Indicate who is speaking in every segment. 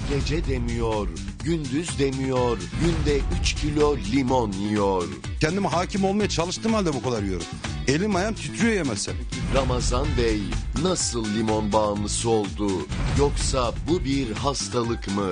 Speaker 1: Gece demiyor, gündüz demiyor, günde 3 kilo limon yiyor.
Speaker 2: Kendime hakim olmaya çalıştığım halde bu kadar yiyorum. Elim ayağım titriyor yemezsem.
Speaker 1: Ramazan Bey nasıl limon bağımlısı oldu? Yoksa bu bir hastalık mı?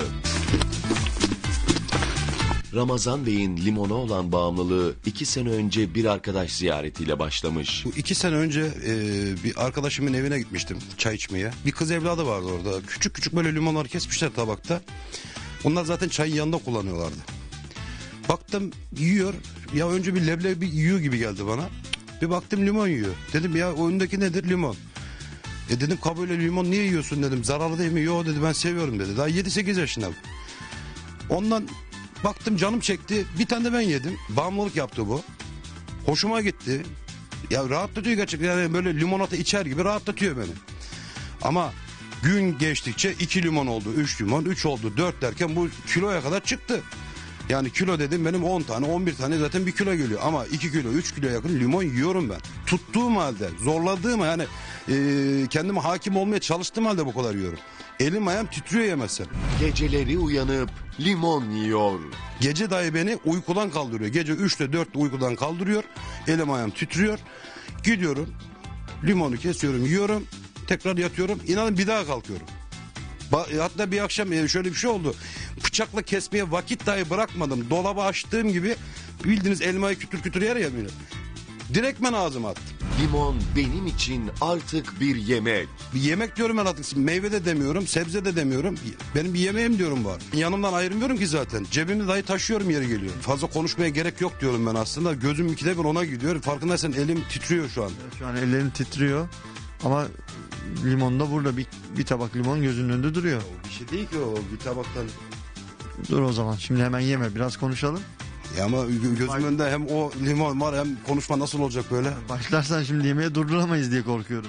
Speaker 1: Ramazan Bey'in limona olan bağımlılığı 2 sene önce bir arkadaş ziyaretiyle başlamış.
Speaker 2: Bu 2 sene önce bir arkadaşımın evine gitmiştim çay içmeye. Bir kız evladı vardı orada. Küçük küçük böyle limonları kesmişler tabakta. Onlar zaten çayın yanında kullanıyorlardı. Baktım yiyor. Ya önce bir leblebi yiyor gibi geldi bana. Bir baktım limon yiyor. Dedim ya o önündeki nedir? Limon. Dedim kabuğuyla limon niye yiyorsun dedim. Zararlı değil mi? Yo dedi ben seviyorum dedi. Daha 7-8 yaşında. Ondan baktım canım çekti. Bir tane de ben yedim. Bağımlılık yaptı bu. Hoşuma gitti. Ya rahatlatıyor gerçekten. Yani böyle limonata içer gibi rahatlatıyor beni. Ama gün geçtikçe 2 limon oldu, 3 limon, 3 oldu, 4 derken bu kiloya kadar çıktı. Yani kilo dedim benim 10 tane, 11 tane zaten 1 kilo geliyor. Ama 2 kilo, 3 kilo yakın limon yiyorum ben. Tuttuğum halde, zorladığım yani kendime hakim olmaya çalıştığım halde bu kadar yiyorum. Elim ayağım titriyor yemezsem.
Speaker 1: Geceleri uyanıp limon yiyor.
Speaker 2: Gece dahi beni uykudan kaldırıyor. Gece 3'te 4'te uykudan kaldırıyor. Elim ayağım titriyor. Gidiyorum, limonu kesiyorum, yiyorum. Tekrar yatıyorum. İnanın bir daha kalkıyorum. Hatta bir akşam şöyle bir şey oldu. Bıçakla kesmeye vakit dahi bırakmadım. Dolabı açtığım gibi bildiğiniz elmayı kütür kütür yer ya böyle. Direktmen ağzıma attım.
Speaker 1: Limon benim için artık bir yemek.
Speaker 2: Bir yemek diyorum ben artık. Meyve de demiyorum, sebze de demiyorum. Benim bir yemeğim diyorum var. Yanımdan ayırmıyorum ki zaten. Cebimde dahi taşıyorum yeri geliyor. Fazla konuşmaya gerek yok diyorum ben aslında. Gözüm ikide bir ona gidiyor. Farkındaysan elim titriyor şu an.
Speaker 3: Şu an ellerin titriyor ama limon da burada bir tabak limon gözünün önünde duruyor.
Speaker 2: Bir şey değil ki o bir tabaktan.
Speaker 3: Dur o zaman şimdi hemen yeme biraz konuşalım.
Speaker 2: Ya ama gözümün önünde hem o limon var hem konuşma nasıl olacak böyle?
Speaker 3: Başlarsan şimdi yemeğe durduramayız diye korkuyorum.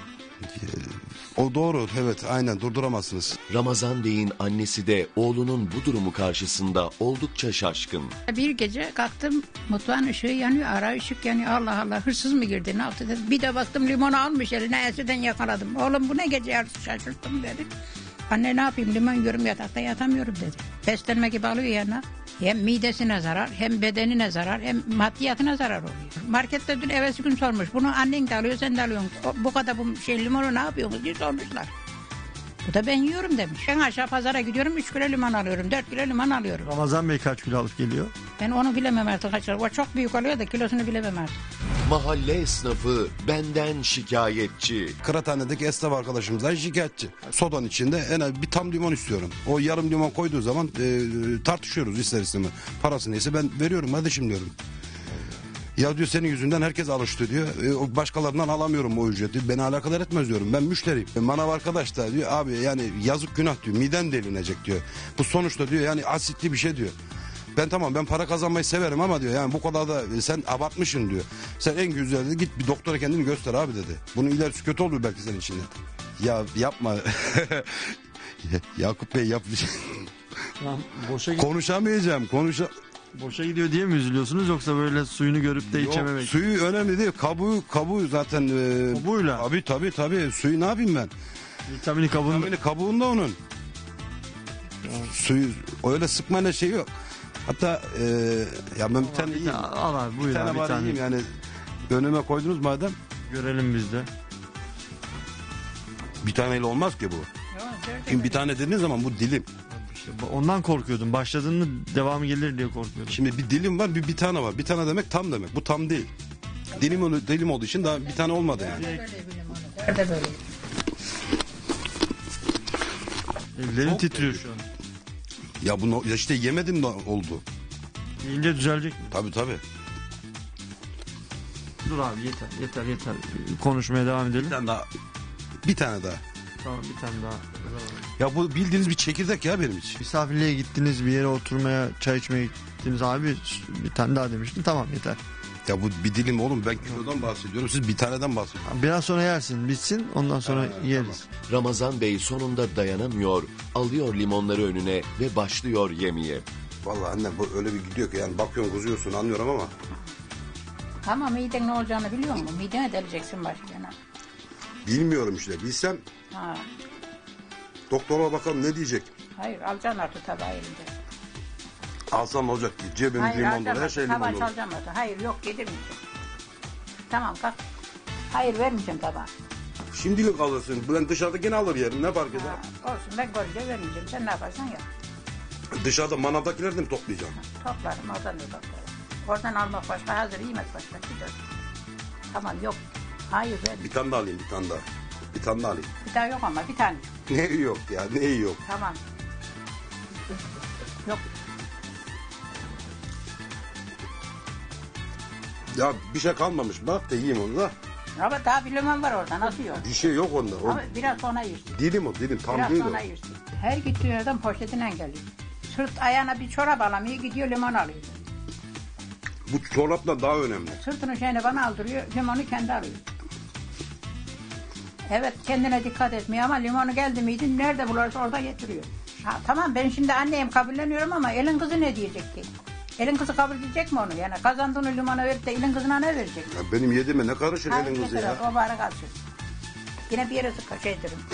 Speaker 2: O doğru evet aynen durduramazsınız.
Speaker 1: Ramazan Bey'in annesi de oğlunun bu durumu karşısında oldukça şaşkın.
Speaker 4: Bir gece kalktım mutfağın ışığı yanıyor, ara ışık yanıyor. Allah Allah hırsız mı girdi ne yaptı dedim. Bir de baktım limonu almış eline enseden yakaladım. Oğlum bu ne gece yarısı şaşırttım dedi. Anne ne yapayım limon yiyorum yatakta yatamıyorum dedi. Beslenme gibi alıyor yanına. Hem midesine zarar hem bedenine zarar hem maddiyatına zarar oluyor. Markette dün evvelsi gün sormuş. Bunu annen de alıyor sen de alıyorsun. Bu kadar bu limonu ne yapıyorsunuz diye sormuşlar. Bu da ben yiyorum demiş. Ben aşağı pazara gidiyorum 3 kilo limon alıyorum 4 kilo limon alıyorum.
Speaker 3: Ramazan Bey kaç kilo alıp geliyor?
Speaker 4: Ben onu bilemem artık kaç lira. O çok büyük oluyor da kilosunu bilemem artık.
Speaker 1: Mahalle esnafı benden şikayetçi.
Speaker 2: Kıraathanedeki esnaf arkadaşımızdan şikayetçi. Sodanın içinde en az bir tam limon istiyorum. O yarım limon koyduğu zaman tartışıyoruz ister istemez. Parası neyse ben veriyorum kardeşim diyorum. Ya diyor senin yüzünden herkes alıştı diyor. Başkalarından alamıyorum o ücreti. Beni alakadar etmez diyorum. Ben müşteriyim. Manav arkadaş da diyor abi yani yazık günah diyor. Miden delinecek diyor. Bu sonuçta diyor yani asitli bir şey diyor. Ben para kazanmayı severim ama diyor yani bu kadar da sen abartmışsın diyor. Sen en güzel git bir doktora kendini göster abi dedi. Bunun ilerisi kötü olur belki senin için dedi. Ya yapma. Yakup Bey yap. Konuşamayacağım.
Speaker 3: Boşa gidiyor diye mi üzülüyorsunuz yoksa böyle suyunu görüp de içememek?
Speaker 2: Suyu önemli değil. Kabuğu zaten.
Speaker 3: Kabuğuyla?
Speaker 2: Tabii. Suyu ne yapayım ben?
Speaker 3: Vitamini kabuğunda.
Speaker 2: Vitamini kabuğunda onun. Suyu öyle sıkmayla şey yok. Hatta ya ben bir tane yiyeyim.
Speaker 3: Al abi buyur abi
Speaker 2: Bir tane yiyeyim yani. Önüme koydunuz madem.
Speaker 3: Görelim biz de.
Speaker 2: Bir taneyle olmaz ki bu. Şimdi bir tane dediğiniz zaman bu dilim.
Speaker 3: İşte ondan korkuyordum. Başladığında devamı gelir diye korkuyordum.
Speaker 2: Şimdi bir dilim var bir tane var. Bir tane demek tam demek. Bu tam değil. Dilim olduğu için daha bir tane olmadı yani.
Speaker 4: Nerede böyle?
Speaker 3: Ellerim titriyor şu an.
Speaker 2: Ya bunu işte yemedim de oldu.
Speaker 3: Yiyince düzelecek mi?
Speaker 2: Tabii.
Speaker 3: Dur abi yeter. Konuşmaya devam edelim.
Speaker 2: Bir tane daha.
Speaker 3: Tamam bir tane daha.
Speaker 2: Ya bu bildiğiniz bir çekirdek ya benim için.
Speaker 3: Misafirliğe gittiniz bir yere oturmaya çay içmeye gittiniz abi bir tane daha demiştin tamam yeter.
Speaker 2: Ya bu bir dilim oğlum ben kilodan bahsediyorum siz bir taneden bahsediyorsunuz.
Speaker 3: Biraz sonra yersin bitsin ondan sonra yeriz.
Speaker 1: Ramazan Bey sonunda dayanamıyor, alıyor limonları önüne ve başlıyor yemeye.
Speaker 2: Vallahi anne bu öyle bir gidiyor ki yani bakıyorsun kuzuyorsun anlıyorum ama.
Speaker 4: Tamam miden ne olacağını biliyor musun? Midene deleceksin başlayana.
Speaker 2: Bilmiyorum işte bilsem
Speaker 4: Ha.
Speaker 2: doktora bakalım ne diyecek.
Speaker 4: Hayır alacaksın artık tabağı elinde.
Speaker 2: Alsam ne olacak ki? Cebim
Speaker 4: Hayır
Speaker 2: limon dolu,
Speaker 4: alacaksın
Speaker 2: her şey
Speaker 4: artık,
Speaker 2: limon
Speaker 4: tabağı
Speaker 2: dolu.
Speaker 4: çalacağım artık. Hayır yok yedirmeyeceğim. Tamam kalk. Hayır vermeyeceğim tabağı.
Speaker 2: Şimdilik alırsın. Ben dışarıdakini alır yerim. Ne fark eder?
Speaker 4: Ha, olsun ben görünce vermeyeceğim. Sen ne yaparsan yap.
Speaker 2: Dışarıda manavdakileri de mi toplayacağım?
Speaker 4: Toplarım oradan da toplarım. Oradan almak başka hazır yemek başka. Gider. Tamam yok. Hayır ver.
Speaker 2: Bir tane daha alayım, bir tane daha. Bir tane daha alayım.
Speaker 4: Bir daha yok ama bir tane.
Speaker 2: Ne yok ya, ne yok.
Speaker 4: Tamam. Yok.
Speaker 2: Ya bir şey kalmamış. Bak da yiyeyim onu da.
Speaker 4: Ama daha bir limon var orada. Nasıl yok?
Speaker 2: Bir şey yok onda. O
Speaker 4: Ama biraz sonra yersin.
Speaker 2: dilim o, dilim. Tam
Speaker 4: Biraz
Speaker 2: değil o.
Speaker 4: sonra yersin. Her gittiği yerden poşetinden geliyor. Sırt ayağına bir çorap alamıyor. Gidiyor limon alıyor.
Speaker 2: Bu çorapla daha önemli.
Speaker 4: Sırtını şeyini bana aldırıyor. Limonu kendi alıyor. Evet kendine dikkat etmiyor ama limonu geldi miydi nerede bulursa orada getiriyor. Ha, tamam ben şimdi anneyim kabulleniyorum ama elin kızı ne diyecek ki? Elin kızı kabul edecek mi onu? Yani kazandığını limona verip de elin kızına ne verecek?
Speaker 2: Ya benim yediğime ne karışır
Speaker 4: Hayır,
Speaker 2: elin kızı
Speaker 4: getir,
Speaker 2: ya?
Speaker 4: o bari kalsın. Yine bir yere sıkı şey ederim.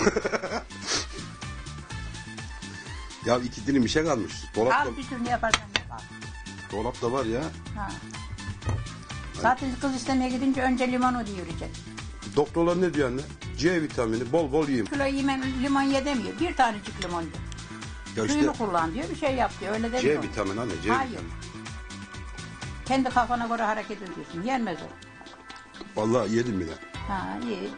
Speaker 2: Ya iki dilim bir şey kalmış.
Speaker 4: Al bir türlü yaparsan yap. Al.
Speaker 2: Dolapta var ya.
Speaker 4: Ha. Zaten kız istemeye gidince önce limonu diyecek.
Speaker 2: Doktorlar ne diyor anne? C vitamini bol bol yiyeyim.
Speaker 4: Kilo yemen limon ye demiyor. Bir tanecik limon diyor.
Speaker 2: Ya işte
Speaker 4: Suyunu kullan diyor. Bir şey yap diyor. Öyle demiyor.
Speaker 2: C vitamini anne, C
Speaker 4: Hayır.
Speaker 2: vitamini.
Speaker 4: Kendi kafana göre hareket ediyorsun. Yenmez o.
Speaker 2: Vallahi yedim bile.
Speaker 4: Ha iyi.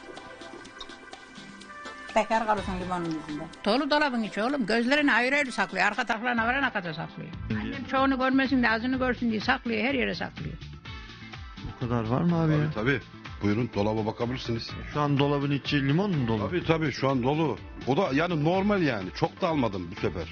Speaker 4: Bekar kalırsın limonun yüzünden. Dolu dolabın içi oğlum. Gözlerini ayrı ayrı saklıyor. Arka taraflarına varana kadar saklıyor. Annem çoğunu görmesin de azını görsün diye saklıyor. Her yere saklıyor.
Speaker 3: Bu kadar var mı abi ya?
Speaker 2: Tabii. Buyurun dolaba bakabilirsiniz.
Speaker 3: Şu an dolabın içi limon mu dolu?
Speaker 2: Tabii şu an dolu. O da yani normal yani. Çok da almadım bu sefer.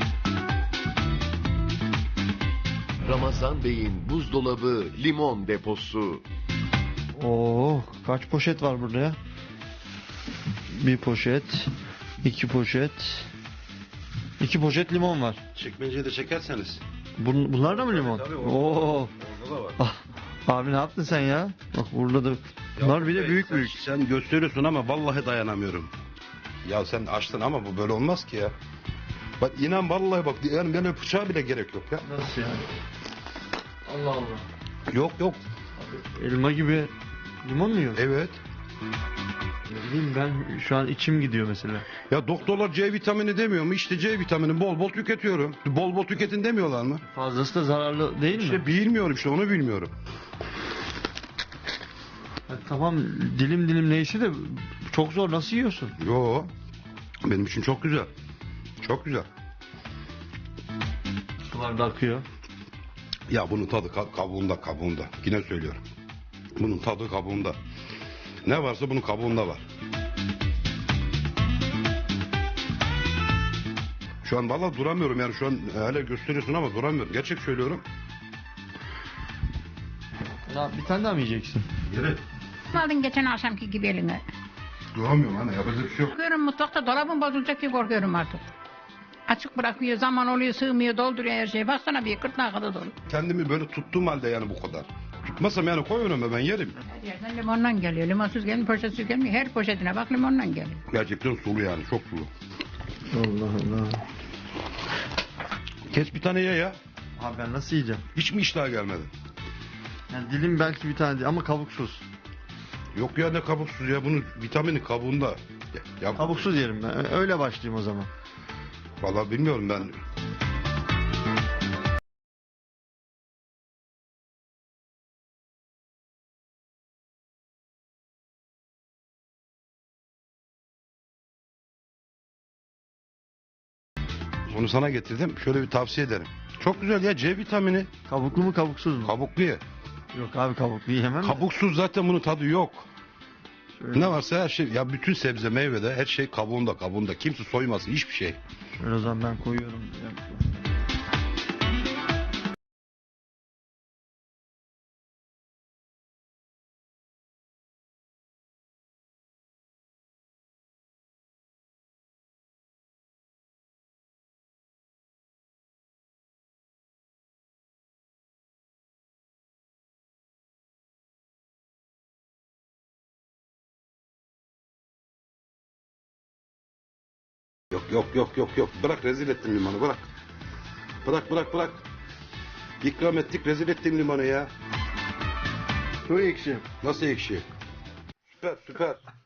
Speaker 1: Ramazan Bey'in buzdolabı limon deposu.
Speaker 3: Oo, kaç poşet var burada ya? Bir poşet, iki poşet, iki poşet limon var.
Speaker 2: Çekmeceyi de çekerseniz.
Speaker 3: Bunlar da mı limon?
Speaker 2: Tabii,
Speaker 3: Oo.
Speaker 2: Orada da var.
Speaker 3: Ah, abi ne yaptın sen ya? Bak burada da bunlar bir de büyük büyük.
Speaker 2: Sen gösteriyorsun ama vallahi dayanamıyorum. Ya sen açtın ama bu böyle olmaz ki ya. Bak inan vallahi bak yani böyle bıçağa bile gerek yok ya.
Speaker 3: Nasıl yani? Allah Allah.
Speaker 2: Yok.
Speaker 3: Elma gibi limon mu yiyorsun?
Speaker 2: Evet.
Speaker 3: Ne bileyim ben şu an içim gidiyor mesela.
Speaker 2: Ya doktorlar C vitamini demiyor mu? İşte C vitamini bol bol tüketiyorum. Bol bol tüketin demiyorlar mı?
Speaker 3: Fazlası da zararlı değil mi?
Speaker 2: İşte bilmiyorum işte onu bilmiyorum.
Speaker 3: Ya tamam dilim dilim neyse de çok zor nasıl yiyorsun?
Speaker 2: Yo. Benim için çok güzel. Çok güzel.
Speaker 3: Sular da akıyor.
Speaker 2: Ya bunun tadı kabuğunda. Yine söylüyorum. Bunun tadı kabuğunda. Ne varsa bunun kabuğunda var. Şu an vallahi duramıyorum yani şu an hala gösteriyorsun ama duramıyorum. Gerçek söylüyorum.
Speaker 3: Ya bir tane daha mı yiyeceksin?
Speaker 2: Evet.
Speaker 4: Aldın geçen akşamki gibi eline.
Speaker 2: Duramıyorum anne yapacak bir şey yok.
Speaker 4: Korkuyorum mutfakta dolabın bozulacak ki korkuyorum artık. Açık bırakıyor, zaman oluyor, sığmıyor, dolduruyor her şeyi. Baksana bir gırtlağa kadar dolu.
Speaker 2: Kendimi böyle tuttuğum halde yani bu kadar. Tutmasam yani koy önüme ben yerim.
Speaker 4: Her yerden limondan geliyor. Limonsuz gelmiyor, poşetsiz gelmiyor. Her poşetine bak limondan geliyor.
Speaker 2: Gerçekten sulu yani çok sulu.
Speaker 3: Allah Allah.
Speaker 2: Kes bir tane ye ya.
Speaker 3: Abi ben nasıl yiyeceğim?
Speaker 2: Hiç mi iştah gelmedi?
Speaker 3: Yani dilim belki bir tane değil ama kabuksuz.
Speaker 2: Yok ya ne kabuksuz ya bunun vitamini kabuğunda. Ya,
Speaker 3: Kabuksuz yerim ben. Öyle başlayayım o zaman.
Speaker 2: Vallahi bilmiyorum ben. Onu sana getirdim. Şöyle bir tavsiye ederim. Çok güzel ya C vitamini.
Speaker 3: Kabuklu mu kabuksuz mu?
Speaker 2: Kabuklu ye.
Speaker 3: Yok abi kabuklu yiyemem. de.
Speaker 2: Kabuksuz zaten bunun tadı yok.
Speaker 3: Şöyle,
Speaker 2: Ne varsa her şey ya bütün sebze meyvede her şey kabuğunda. Kimse soymasın hiçbir şey.
Speaker 3: şöyle o zaman ben koyuyorum.
Speaker 2: Yok. Bırak, rezil ettin limanı, bırak. Bırak. İkram ettik, rezil ettin limanı ya.
Speaker 3: Çok ekşi.
Speaker 2: Nasıl ekşi? Süper.